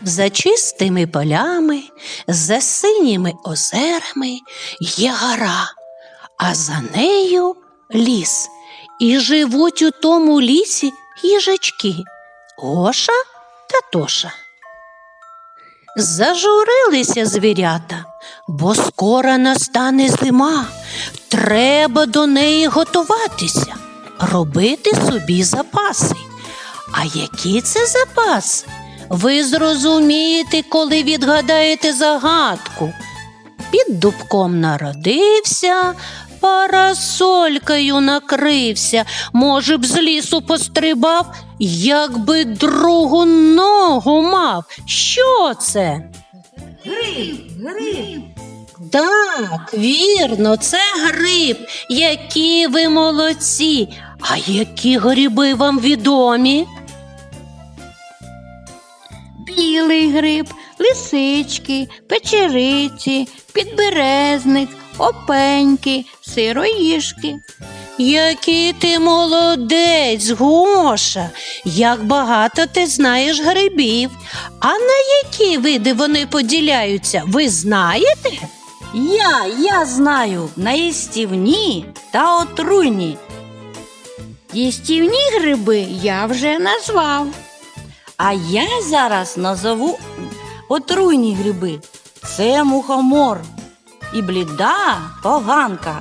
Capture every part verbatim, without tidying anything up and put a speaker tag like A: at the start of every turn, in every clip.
A: За чистими полями, за синіми озерами є гора, а за нею ліс. І живуть у тому лісі їжачки Гоша та Тоша. Зажурилися звірята, бо скоро настане зима. Треба до неї готуватися, робити собі запаси. А які це запаси? Ви зрозумієте, коли відгадаєте загадку. Під дубком народився, парасолькою накрився. Може б, з лісу пострибав, якби другу ногу мав. Що це?
B: Гриб, гриб.
A: Так, вірно, це гриб. Які ви молодці! А які гриби вам відомі?
B: Білий гриб, лисички, печериці, підберезник, опеньки, сироїжки.
A: Який ти молодець, Гоша! Як багато ти знаєш грибів. А на які види вони поділяються, ви знаєте?
B: Я, я знаю, на їстівні та отруйні. Їстівні гриби я вже назвав. А я зараз назову отруйні гриби. Це мухомор і бліда поганка.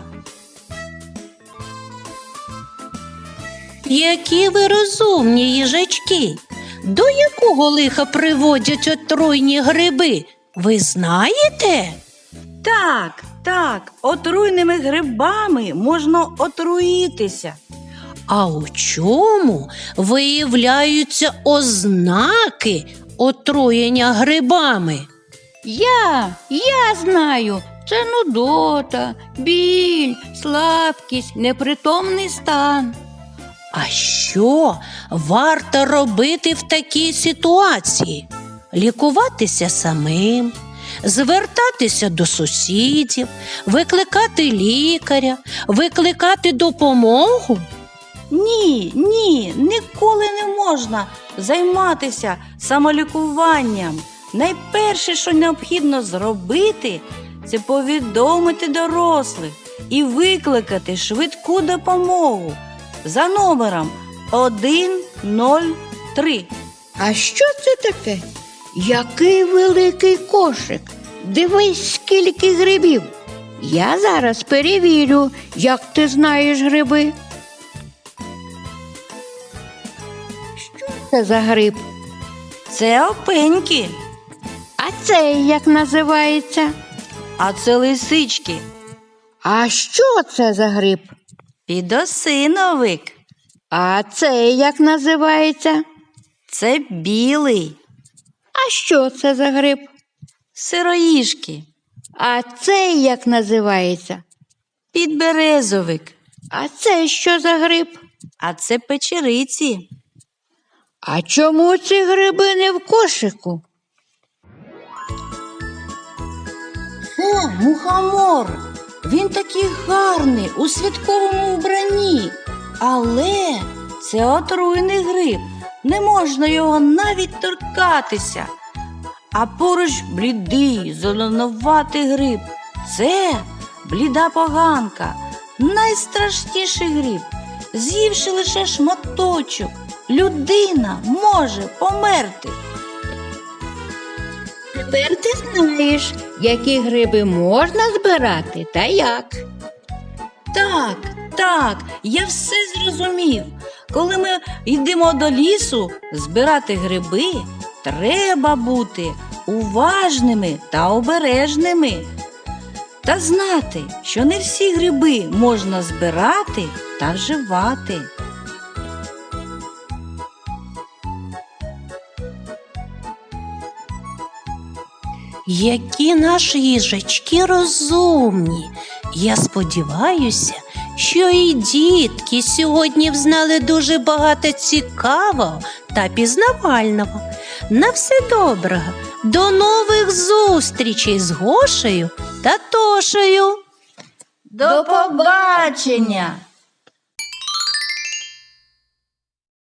A: Які ви розумні їжачки! До якого лиха приводять отруйні гриби, ви знаєте?
B: Так, так, отруйними грибами можна отруїтися.
A: А у чому виявляються ознаки отруєння грибами?
B: Я, я знаю, це нудота, біль, слабкість, непритомний стан.
A: А що варто робити в такій ситуації? Лікуватися самим, звертатися до сусідів, викликати лікаря, викликати допомогу?
B: Ні, ні, ніколи не можна займатися самолікуванням. Найперше, що необхідно зробити, це повідомити дорослих і викликати швидку допомогу за номером один нуль три.
C: А що це таке? Який великий кошик! Дивись, скільки грибів! Я зараз перевірю, як ти знаєш гриби. Що це за гриб?
B: Це опеньки,
C: А цей як називається?
B: а це лисички,
C: А що це за гриб?
B: підосиновик,
C: А цей як називається?
B: це білий,
C: А що це за гриб?
B: сироїжки,
C: А цей як називається?
B: підберезовик,
C: А це що за гриб?
B: а це печериці.
C: А чому ці гриби не в кошику?
B: Це мухомор. Він такий гарний у святковому вбранні. Але це отруйний гриб. Не можна його навіть торкатися. А поруч блідий, зеленуватий гриб. Це бліда поганка. Найстрашніший гриб. З'ївши лише шматочок, людина може померти.
C: Тепер ти знаєш, які гриби можна збирати та як.
B: Так, так, я все зрозумів. Коли ми йдемо до лісу збирати гриби, треба бути уважними та обережними. Та знати, що не всі гриби можна збирати та вживати.
A: Які наші їжачки розумні! Я сподіваюся, що і дітки сьогодні взнали дуже багато цікавого та пізнавального. На все доброго! До нових зустрічей з Гошею та Тошею!
B: До побачення!